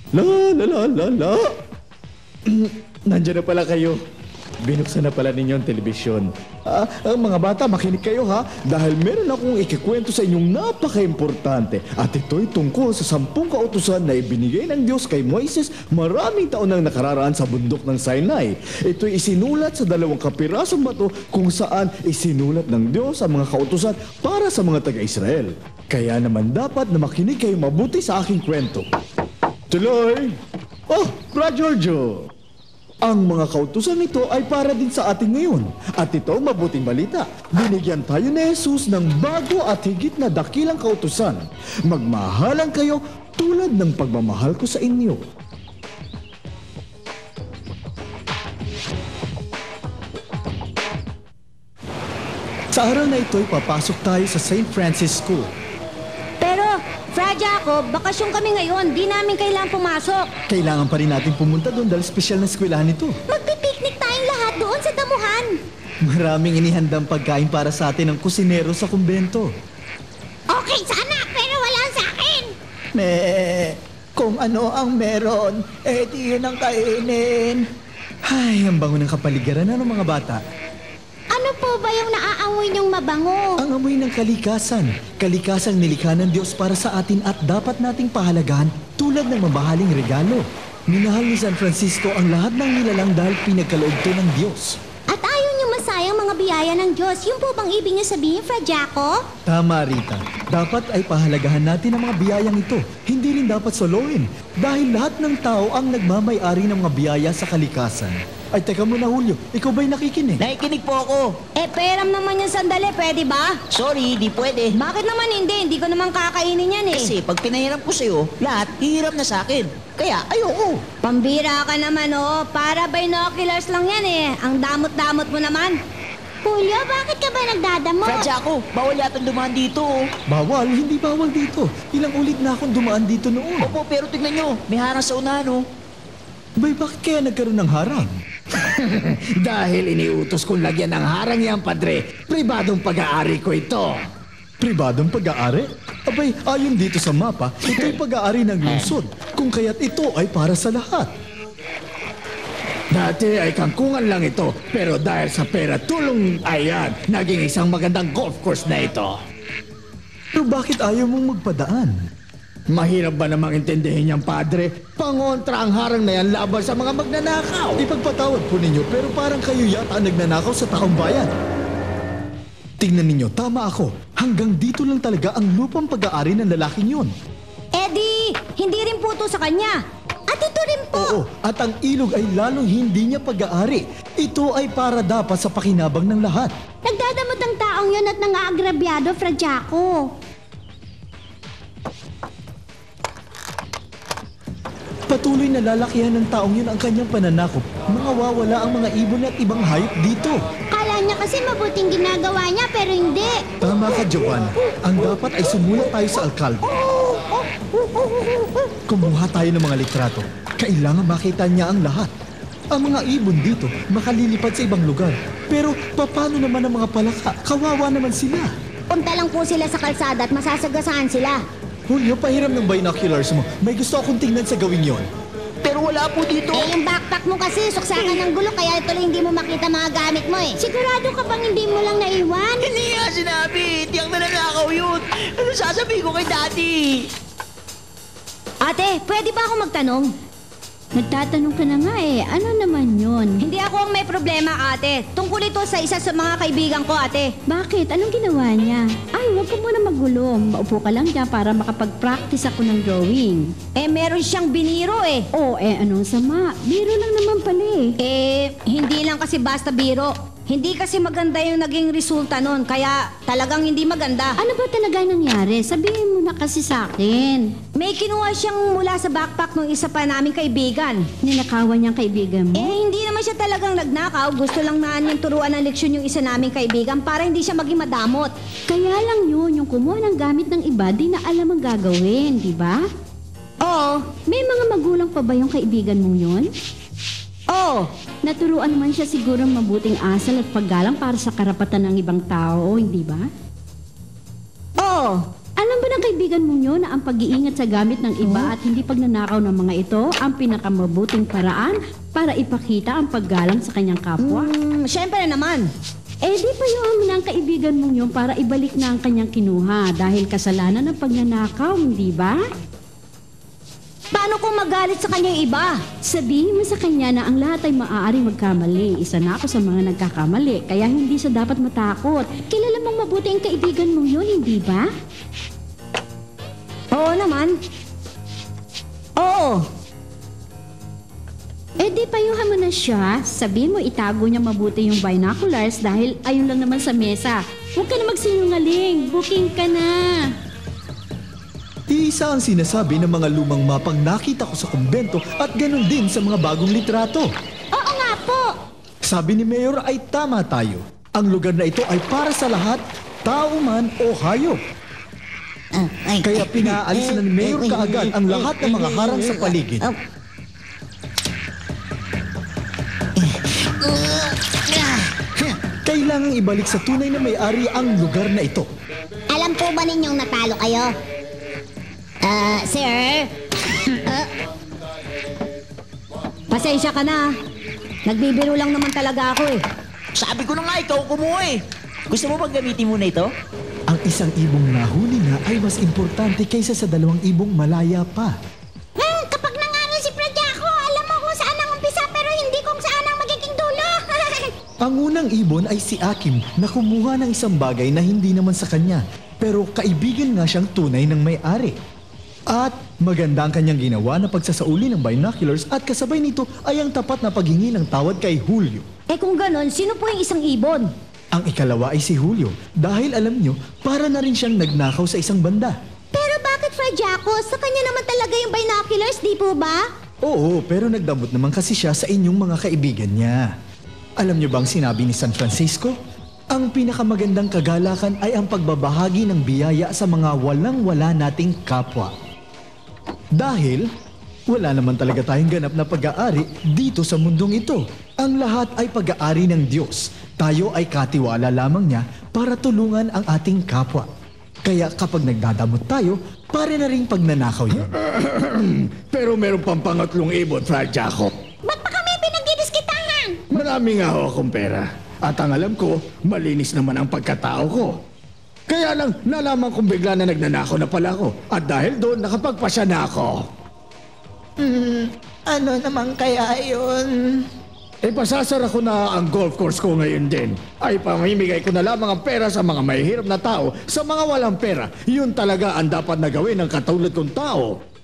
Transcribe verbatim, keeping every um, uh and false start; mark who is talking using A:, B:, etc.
A: La la la la la. Nandiyan na pala kayo. Binuksan na pala ninyo ang telebisyon. Ah, ang mga bata, makinig kayo ha. Dahil meron akong ikikwento sa inyong napaka-importante. At ito'y tungkol sa sampung kautusan na ibinigay ng Diyos kay Moises maraming taon nang nakararaan sa bundok ng Sinai. Ito'y isinulat sa dalawang kapirasong bato kung saan isinulat ng Diyos ang mga kautusan para sa mga taga-Israel. Kaya naman dapat na makinig kayo mabuti sa aking kwento. Tuloy! Oh, Brad Giorgio! Ang mga kautusan nito ay para din sa atin ngayon. At ito mabuting balita. Binigyan tayo ni Jesus ng bago at higit na dakilang kautusan. Magmahalan kayo tulad ng pagmamahal ko sa inyo. Sa araw na ito'y papasok tayo sa Saint Francis School.
B: Pero, Fra Jacob, bakasyon kami ngayon. Di namin kailangan pumasok.
A: Kailangan pa rin natin pumunta doon dahil espesyal na eskwelahan ito.
B: Magpipiknik tayong lahat doon sa damuhan.
A: Maraming inihandang pagkain para sa atin ng kusinero sa kumbento.
B: Okay sana, pero wala sa akin.
A: Me, kung ano ang meron, eh di yun ang kainin. Ay, ang bango ng kapaligiran na ng mga bata.
B: Ano po ba yung naaamoy niyong mabango?
A: Ang amoy ng kalikasan. Kalikasang nilikha ng Diyos para sa atin at dapat nating pahalagahan tulad ng mabahaling regalo. Minahal ni San Francisco ang lahat ng nilalang dahil pinagkaloob to ng Diyos.
B: At ayaw niyo masayang mga biyaya ng Diyos. Yung po bang ibig niyo sabihin, Fra Jacob?
A: Tama, Rita. Dapat ay pahalagahan natin ang mga biyayang ito. Hindi rin dapat soloin. Dahil lahat ng tao ang nagmamay-ari ng mga biyaya sa kalikasan. Ay, teka muna, Julio. Ikaw ba'y nakikinig?
C: Nakikinig po ako.
B: Eh, peram naman yung sandali. Pwede ba?
C: Sorry, di pwede.
B: Bakit naman hindi? Hindi ko naman kakainin yan eh.
C: Kasi pag pinahiram ko sa'yo, lahat hihiram na sa akin. Kaya ayoko.
B: Pambira ka naman oh. Para binoculars lang yan eh. Ang damot-damot mo naman. Julio, bakit ka ba nagdadamot?
C: Fra Jaco, bawal yatang dumaan dito. oh.
A: Bawal? Hindi bawal dito. Ilang ulit na akong dumaan dito noon.
C: Opo, pero tignan nyo, may harang sa unahan oh.
A: Bay, bakit kaya nagkaroon ng harang?
D: Dahil iniutos kong lagyan ng harang yan, padre. Pribadong pag-aari ko ito.
A: Pribadong pag-aari? Abay, ayon dito sa mapa, ito'y pag-aari ng lungsod. Kung kaya't ito ay para sa lahat.
D: Dati ay kangkungan lang ito, pero dahil sa pera tulong, ayan, naging isang magandang golf course na ito.
A: Pero bakit ayaw mong magpadaan?
D: Mahirap ba namang intindihin niyang, padre? Pangontra ang harang na yan laban sa mga magnanakaw.
A: Ipagpatawad po ninyo, pero parang kayo yata ang nagnanakaw sa taong bayan. Tingnan ninyo, tama ako. Hanggang dito lang talaga ang lupang pag-aari ng lalaking yun.
B: Eddie, hindi rin po to sa kanya. At ito rin po.
A: Oo, at ang ilog ay lalong hindi niya pag-aari. Ito ay para dapat sa pakinabang ng lahat.
B: Nagdadamot ang taong yun at nang-aagrabyado, Fra Jaco.
A: Patuloy na lalakihan ng taong yun ang kanyang pananakop. Mawawala ang mga ibon at ibang hayop dito.
B: Kala niya kasi mabuting ginagawa niya pero hindi.
A: Tama ka, Giovanna. Ang dapat ay sumulat tayo sa alkalde. Kumuha tayo ng mga litrato. Kailangan makita niya ang lahat. Ang mga ibon dito makalilipad sa ibang lugar. Pero paano naman ang mga palaka? Kawawa naman sila.
B: Punta lang po sila sa kalsada at masasagasaan sila.
A: Julio, pahiram ng binoculars mo. May gusto akong tingnan sa gawin yon.
C: Pero wala po dito.
B: Eh, yung backpack mo kasi, suksakan ng gulo, kaya tuloy hindi mo makita mga gamit mo eh. Sigurado ka bang hindi mo lang naiwan?
C: Hindi nga sinabi, tiyang nananakaw yun. Ano sasabihin ko kay daddy?
B: Ate, pwede ba ako magtanong?
E: Nagtatanong ka na nga eh. Ano naman yun?
B: Hindi ako ang may problema, ate. Tungkol ito sa isa sa mga kaibigan ko, ate.
E: Bakit? Anong ginawa niya? Ay, huwag ka muna magulo. Maupo ka lang dyan para makapag-practice ako ng drawing.
B: Eh, meron siyang biniro eh.
E: Oh, eh anong sama? Biro lang naman pala eh.
B: Eh, hindi lang kasi basta biro. Hindi kasi maganda yung naging resulta nun, kaya talagang hindi maganda.
E: Ano ba talaga nangyari? Sabihin mo na kasi sa akin.
B: May kinuha siyang mula sa backpack ng isa pa naming kaibigan.
E: Ninakawan niyang kaibigan mo?
B: Eh, hindi naman siya talagang nagnakaw. Gusto lang na niyang turuan ng leksyon yung isa naming kaibigan para hindi siya maging madamot.
E: Kaya lang yun, yung kumuha ng gamit ng iba, di na alam ang gagawin, di ba?
B: Oo.
E: May mga magulang pa ba yung kaibigan mong yun?
B: Oo.
E: Naturuan naman siya siguro ng mabuting asal at paggalang para sa karapatan ng ibang tao, hindi ba?
B: Oo.
E: Alam ba ng kaibigan mong yun na ang pag-iingat sa gamit ng iba at hindi pagnanakaw ng mga ito ang pinakamabuting paraan para ipakita ang paggalang sa kanyang kapwa?
B: Hmm, syempre naman.
E: Eh di payuhan mo na ang kaibigan mong yun para ibalik na ang kanyang kinuha dahil kasalanan ng pagnanakaw, hindi ba?
B: Paano kung magalit sa kanya yung iba?
E: Sabihin mo sa kanya na ang lahat ay maaaring magkamali. Isa na ako sa mga nagkakamali, kaya hindi siya dapat matakot. Kilala mong mabuti ang kaibigan mong yun, hindi ba?
B: Oo naman. Oo.
E: Eh di payuhan mo na siya. Sabihin mo itago niya mabuti yung binoculars dahil ayun lang naman sa mesa. Huwag ka na magsinungaling. Booking ka na.
A: Iisa ang sinasabi ng mga lumang mapang nakita ko sa kumbento at ganun din sa mga bagong litrato.
B: Oo nga po.
A: Sabi ni Mayor ay tama tayo. Ang lugar na ito ay para sa lahat, tao man o hayop. Kaya pinaalis na ni Mayor kaagad ang lahat ng mga harang sa paligid. Kailangang ibalik sa tunay na may-ari ang lugar na ito.
B: Alam po ba ninyong natalo kayo? Ah, sir? Ah. Pasensya ka na. Nagbibiro lang naman talaga ako eh.
C: Sabi ko na nga, ikaw kumuha eh. Gusto mo bang gamitin mo na ito?
A: Ang isang ibong nahuli na ay mas importante kaysa sa dalawang ibong malaya pa.
B: Hmm, kapag nangaral si Pradyako, alam mo kung saan ang umpisa pero hindi kung saan ang magiging dulo.
A: Ang unang ibon ay si Akim na kumuha ng isang bagay na hindi naman sa kanya. Pero kaibigan nga siyang tunay ng may-ari. At maganda ang kanyang ginawa na pagsasauli ng binoculars at kasabay nito ay ang tapat na paghingi ng tawad kay Julio.
B: Eh kung ganon, sino po yung isang ibon?
A: Ang ikalawa ay si Julio dahil alam nyo, para na rin siyang nagnakaw sa isang banda.
B: Pero bakit Pradyako? Sa kanya naman talaga yung binoculars, di po ba?
A: Oo, pero nagdamot naman kasi siya sa inyong mga kaibigan niya. Alam nyo bang sinabi ni San Francisco? Ang pinakamagandang kagalakan ay ang pagbabahagi ng biyaya sa mga walang-wala nating kapwa. Dahil wala naman talaga tayong ganap na pag-aari dito sa mundong ito. Ang lahat ay pag-aari ng Diyos. Tayo ay katiwala lamang niya para tulungan ang ating kapwa. Kaya kapag nagdadamot tayo, pare na rin pagnanakaw yan.
D: Pero meron pang pangatlong ibon, Fra Jacob.
B: Ba't pa kami pinagdidiskitahan?
D: Marami nga ho akong pera. At ang alam ko, malinis naman ang pagkatao ko. Kaya lang, nalaman kong bigla na nagnanakaw na pala ako. At dahil doon, nakapagpasya na ako.
C: Hmm, ano naman kaya yun?
D: E pasasara ko na ang golf course ko ngayon din. Ay pamimigay ko na lamang ang pera sa mga mahihirap na tao, sa mga walang pera. Yun talaga ang dapat na gawin ng katulad kong tao.